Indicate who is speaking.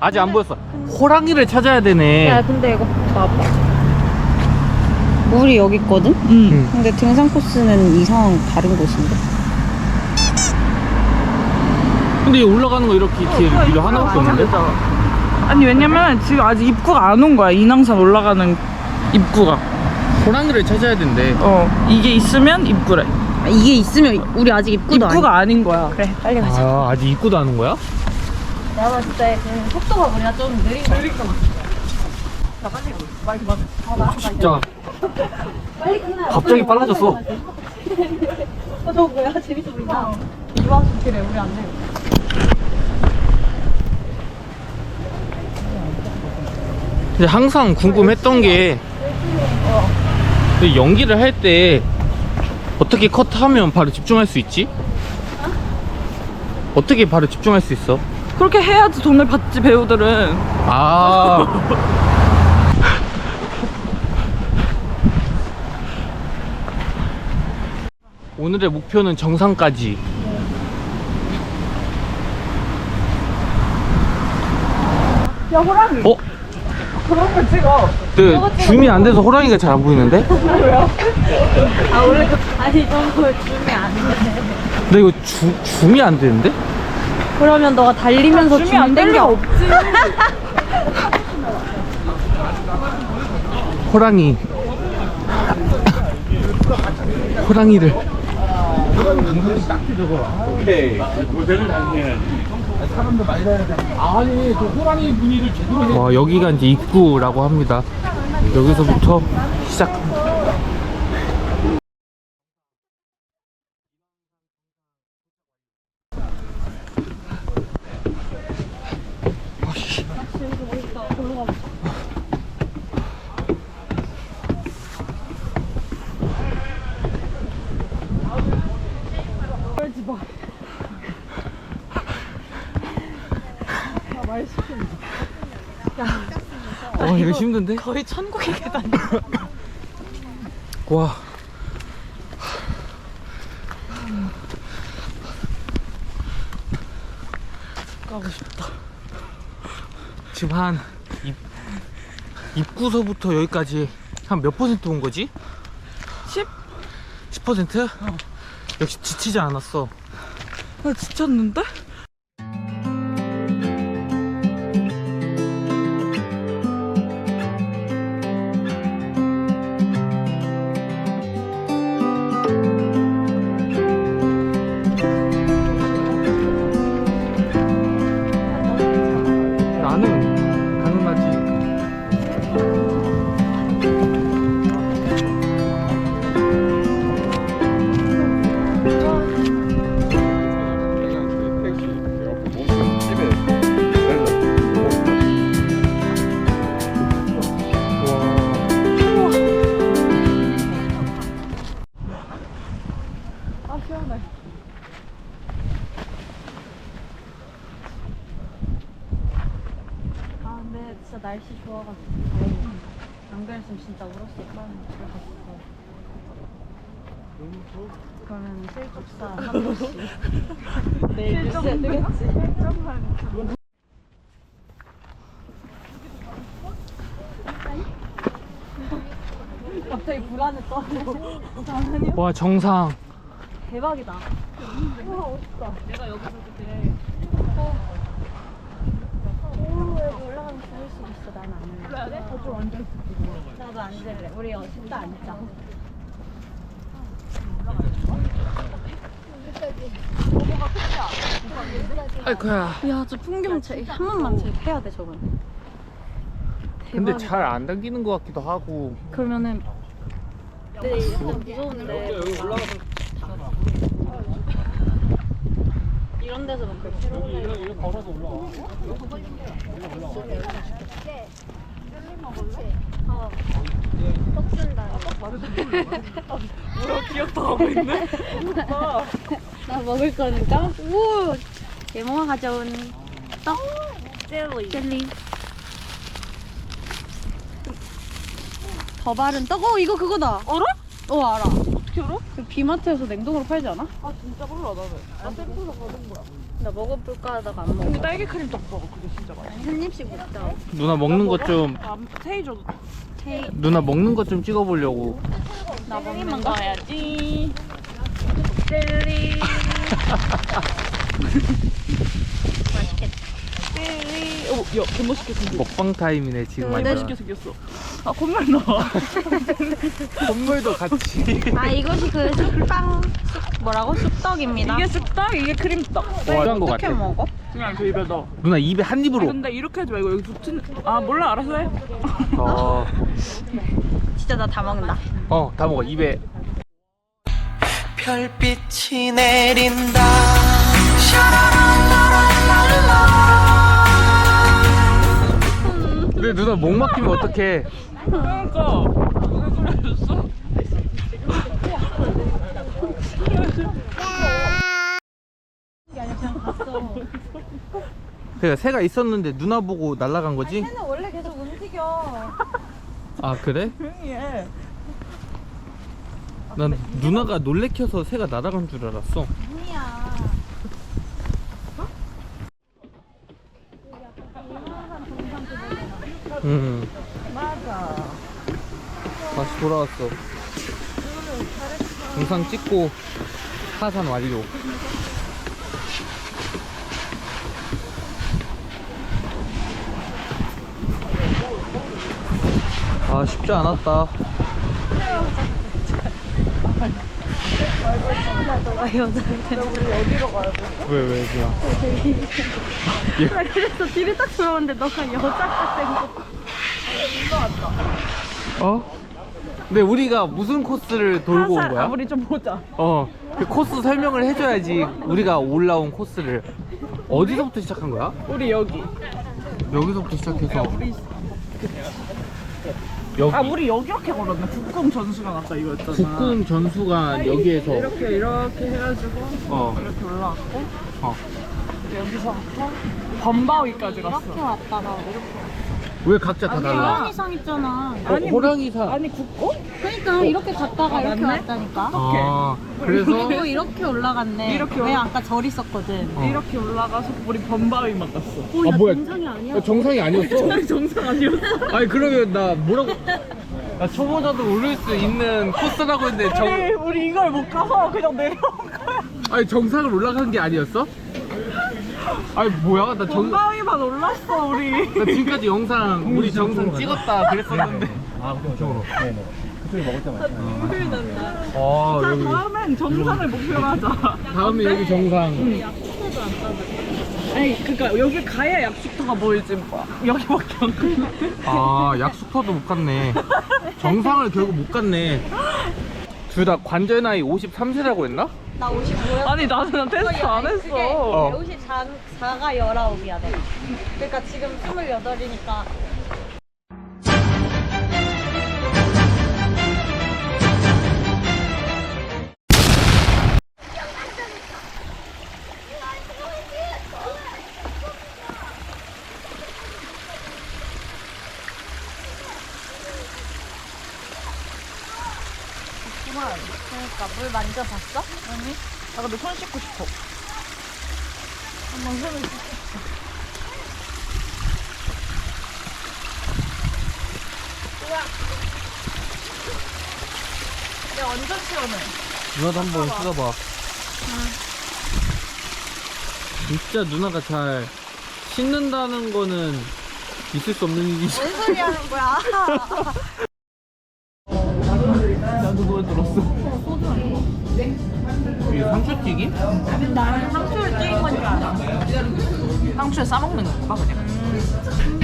Speaker 1: 아직 안 보였어. 호랑이를 찾아야 되네.
Speaker 2: 야 근데 이거 봐봐. 물이 여기 있거든? 근데 등산 코스는 이상 다른 곳인데?
Speaker 1: 근데 이 올라가는 거 이렇게 뒤에 길 하나밖에 없는데?
Speaker 3: 아니 왜냐면 지금 아직 입구가 안 온 거야. 인왕산 올라가는 입구가.
Speaker 1: 호랑이를 찾아야 된대.
Speaker 3: 이게 있으면 입구래.
Speaker 2: 아, 이게 있으면 우리 아직 입구도
Speaker 3: 입구가 아닌 거야.
Speaker 2: 그래 빨리 가자.
Speaker 1: 아, 아직 입구도 하는 거야?
Speaker 2: 내가 봤을 때 그 속도가 우리가 좀 느린 거 같아.
Speaker 1: 진짜
Speaker 2: 빨리 끝나.
Speaker 1: 갑자기 빨라졌어.
Speaker 2: 저거 뭐야? 재밌어 보인다. 이와 좋기래 우리 안 돼.
Speaker 1: 근데 항상 궁금했던 게 연기를 할 때 어떻게 컷하면 바로 집중할 수 있지? 어떻게 바로 집중할 수 있어?
Speaker 3: 그렇게 해야지 돈을 받지 배우들은.
Speaker 1: 아 오늘의 목표는 정상까지.
Speaker 3: 야 호랑이. 그런 걸 찍어.
Speaker 1: 그 줌이 안 돼서 호랑이가 잘 안 보이는데?
Speaker 2: 아 원래 아니 저거 줌이 안 돼.
Speaker 1: 근데 이거 줌이 안 되는데?
Speaker 2: 그러면 너가 달리면서
Speaker 3: 줌이 안 될 리가 없지.
Speaker 1: 호랑이 호랑이를 와 여기가 이제 입구라고 합니다. 여기서부터 시작. 이거 힘든데?
Speaker 3: 거의 천국의 계단.
Speaker 1: 와.
Speaker 3: 가고 싶다.
Speaker 1: 지금 한 입구서부터 여기까지 한 몇 퍼센트 온 거지?
Speaker 3: 10?
Speaker 1: 10%? 역시 지치지 않았어.
Speaker 3: 나 지쳤는데?
Speaker 1: 나는 가능하지.
Speaker 3: 아 시원해.
Speaker 2: 아 근데 진짜 날씨 좋아가지고 다행이다. 안 그랬으면 진짜 울었을 뻔. 그러면 실족사 한 번씩 내일 뉴스에 뜨겠지. 갑자기 불안에 떠네.
Speaker 1: 와 정상.
Speaker 2: 대박이다. 와 멋있다. 내가 여기서 그때 여기 올라가면 죽을 수 있어. 나는 안 할래. 그래야 돼? 저쪽 앉아있어. 나도 앉을래. 우리 진짜 앉자.
Speaker 1: 아이쿠야.
Speaker 2: 야, 저 풍경 한 번만 해야 돼, 저건.
Speaker 1: 근데
Speaker 2: 대박이다.
Speaker 1: 잘 안 당기는 것 같기도 하고.
Speaker 2: 그러면은 근데 약간 무서운데
Speaker 1: 여기 올라가서
Speaker 2: 이런 데서 막 그렇게
Speaker 1: 여기 걸어서 올라와.
Speaker 2: 떡 준다.
Speaker 3: 뭐야 기억도 하고 있네.
Speaker 2: 나 먹을 거는 까먹고. 오! 예모가 가져온 떡 젤리. 더 바른 떡. 이거 그거다.
Speaker 3: 알아?
Speaker 2: 알아.
Speaker 3: 어떻게 알아?
Speaker 2: 그 비마트에서 냉동으로 팔지 않아?
Speaker 3: 아 진짜 몰라 나는. 나 샘플로 받은 거야.
Speaker 2: 나 먹어볼까 하다가 안 먹어.
Speaker 3: 근데 딸기 크림 떡볶이 그게 진짜 맛있어.
Speaker 2: 한 입씩 먹자.
Speaker 1: 누나 먹는 것 좀
Speaker 3: 아, 세이 줘도 돼.
Speaker 1: 누나 먹는 것 좀 찍어보려고.
Speaker 2: 나 먹는
Speaker 3: 거 해야지. 젤리.
Speaker 2: 맛있겠다.
Speaker 3: 젤리. 어, 야, 개멋있게 생겼어.
Speaker 1: 먹방 타임이네 지금
Speaker 2: 네.
Speaker 1: 완전.
Speaker 3: 멋있게 생겼어. 아, 콧물 나와.
Speaker 1: 선물도 같이.
Speaker 2: 아 이것이 그 쑥빵 뭐라고? 쑥떡입니다.
Speaker 3: 이게 쑥떡, 이게 크림떡.
Speaker 1: 어떤 거
Speaker 2: 어떻게
Speaker 1: 같아?
Speaker 2: 먹어?
Speaker 3: 그냥 그 입에 넣어.
Speaker 1: 누나 입에 한
Speaker 3: 아니,
Speaker 1: 입으로.
Speaker 3: 근데 이렇게 하지 말고 여기 붙은. 아, 몰라, 알아서 해.
Speaker 2: 진짜 나 다 먹는다.
Speaker 1: 다 먹어 입에.
Speaker 4: 별빛이 내린다.
Speaker 1: 근데 누나 목 막히면 어떡해?
Speaker 3: 그러니까. 왜 그래줬어?
Speaker 1: 그러니까 새가 있었는데 누나 보고 날아간 거지?
Speaker 2: 새는 원래 계속 움직여.
Speaker 1: 아 그래?
Speaker 3: 조용히 해.
Speaker 1: 난 누나가 놀래켜서 새가 날아간 줄 알았어.
Speaker 2: 아니야.
Speaker 3: 맞아.
Speaker 1: 다시 돌아왔어. 영상 찍고 하산 완료. 아 쉽지 않았다.
Speaker 2: 너가 여자한테.
Speaker 1: 왜 그냥?
Speaker 2: 나 그래서 집에 딱 들어오는데 너가 여자 같은 거.
Speaker 1: 어? 근데 우리가 무슨 코스를 돌고 온 거야?
Speaker 3: 우리 좀 보자.
Speaker 1: 그 코스 설명을 해줘야지. 우리가 올라온 코스를 어디서부터 시작한 거야?
Speaker 3: 우리 여기.
Speaker 1: 여기서부터 시작해서
Speaker 3: 우리
Speaker 1: 여기
Speaker 3: 아, 우리 여기 이렇게 걸었네. 국궁 전수관 아까 이거였잖아.
Speaker 1: 국궁 전수관 여기에서
Speaker 3: 이렇게 해가지고 이렇게 올라왔고 여기서부터 범바위까지 갔어.
Speaker 2: 이렇게 왔다가
Speaker 1: 왜 각자 다 달라?
Speaker 2: 호랑이상 있잖아.
Speaker 1: 호랑이사.
Speaker 3: 아니 국궁?
Speaker 2: 그러니까 이렇게 갔다가 이렇게
Speaker 3: 맞네?
Speaker 2: 왔다니까.
Speaker 1: 아 그래서
Speaker 2: 그리고 이렇게 올라갔네.
Speaker 3: 이렇게
Speaker 2: 왜 아까 절 있었거든.
Speaker 3: 이렇게 올라가서 우리 범바위만 갔어.
Speaker 1: 아 뭐야?
Speaker 2: 정상이 아니야.
Speaker 1: 정상이 아니었어.
Speaker 3: 정상 아니었어?
Speaker 1: 아니 그러면 나 뭐라고? 나 초보자도 오를 수 있는 코스라고 했는데
Speaker 3: 우리 이걸 못 가서 그냥 내려온 거야.
Speaker 1: 아니 정상을 올라간 게 아니었어? 아니 뭐야? 나
Speaker 3: 범바위만 올랐어 우리.
Speaker 1: 지금까지 영상 우리 정상 찍었다 그랬었는데.
Speaker 3: 눈물 난다.
Speaker 1: 아
Speaker 3: 자,
Speaker 1: 여기
Speaker 3: 다음엔 정상을 목표로 하자.
Speaker 1: 다음에 여기 정상.
Speaker 3: 아니 그니까 여기 가야 약수터가 보이지 뭐. 여기밖에 안 보이는데.
Speaker 1: 아 약수터도 못 갔네. 정상을 결국 못 갔네. 둘 다 관절 나이 53세라고 했나?
Speaker 2: 나 55였어.
Speaker 3: 아니 나는 테스트 안 했어.
Speaker 2: 그게 54가 19이야 내가. 그러니까 지금 28이니까. 그러니까 물 만져봤어?
Speaker 3: 아니? 나 근데 손 씻고 싶어.
Speaker 2: 한번 손을 씻고.
Speaker 3: 야 완전 시원해.
Speaker 1: 누나도 한번 씻어봐. 진짜 누나가 잘 씻는다는 거는 있을 수 없는 일이지.
Speaker 2: 뭔 소리 하는 거야?
Speaker 3: 나도 그걸 들었어.
Speaker 1: 이게 상추튀김?
Speaker 2: 나는 상추를 찍은 건 줄 알아.
Speaker 3: 상추에 싸먹는 건가 그냥?